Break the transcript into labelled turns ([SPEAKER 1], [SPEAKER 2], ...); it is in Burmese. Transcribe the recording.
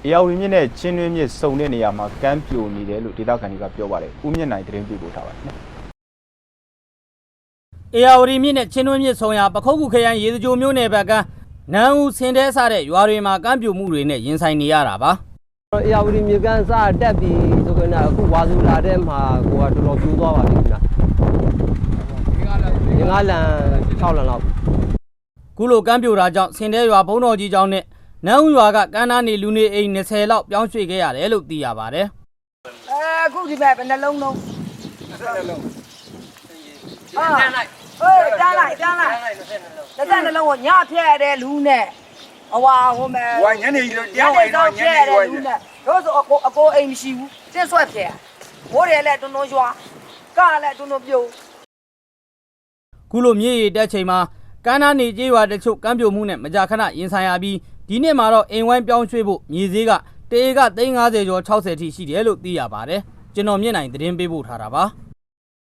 [SPEAKER 1] အေယာဝတီမြစ်နဲ့ချင်းတွင်းမြစ်စုံတဲ့နေရာမှာကမ်းပြိုနေတယ်လို့ဒေသခံတွေကပြောပါတယ်ဦးမြင့်နိုင်သတင်းပေးပို့ထားပါတယ်
[SPEAKER 2] အေယာဝတီမြစ်နဲ့ချင်းတွင်းမြစ်ဆုံရာပခုတ်ကူခရိုင်ရေစကြိုမြို့နယ်ဘက်ကနန်းဦးဆင်တဲစတဲ့ရွာတွေမှာကမ်းပြိုမှုတွေနဲ့ရင်ဆိုင်နေရတာပါ
[SPEAKER 3] အေယာဝတီမြစ်ကမ်းစတက်ပြီးဆိုကြတာအခုဝါစုလာတဲ့မှာကိုကတော်တော်ပြိုးသွားပါပြီခင်ဗျငါးလန်6လန်လောက်
[SPEAKER 2] ခုလိုကမ်းပြိုတာကြောင့်ဆင်တဲရွာဘုံတော်ကြီးကျောင်းနဲ့နန်းဦးရွာကကမ်းနားနေလူနေအိမ်20လောက်ပြောင်းရွှေ့ခဲ့ရတယ်လို့သိရပါတယ်
[SPEAKER 4] အခုဒီမဲ့ဘယ်နှလုံးလုံး20လုံးဟာတန်းလိုက်တန်းလိုက်20လုံးကိုညဖျက်တဲ့လူနဲ့ဟွာဟိုမဲ့
[SPEAKER 5] ဝိုင်းညနေကြီးတရားဝင်တော့ညနေကြီးဝိုင်း
[SPEAKER 4] တို့ဆိုအကိုအိမ်မရှိဘူးစစ်ဆွဲဖျက်မိုးတယ်လည်းတွန်းတွန်းရွာကလည်းတွန်းတွန်းပြိုး
[SPEAKER 2] ခုလိုမြေရီတက်ချိန်မှာကမ်းနားနေကျေးရွာတချို့ကမ်းပြိုမှုနဲ့မကြာခဏရင်ဆိုင်ရပြီးဒီနှစ်မှာတော့အိမ်ဝိုင်းပြောင်းရွှေ့ဖို့မြေဈေးကတေက350ကျော်60ထိရှိတယ်လို့သိရပါတယ်ကျွန်တော်မြင့်နိုင်သတင်းပေးပို့ထားတာပါ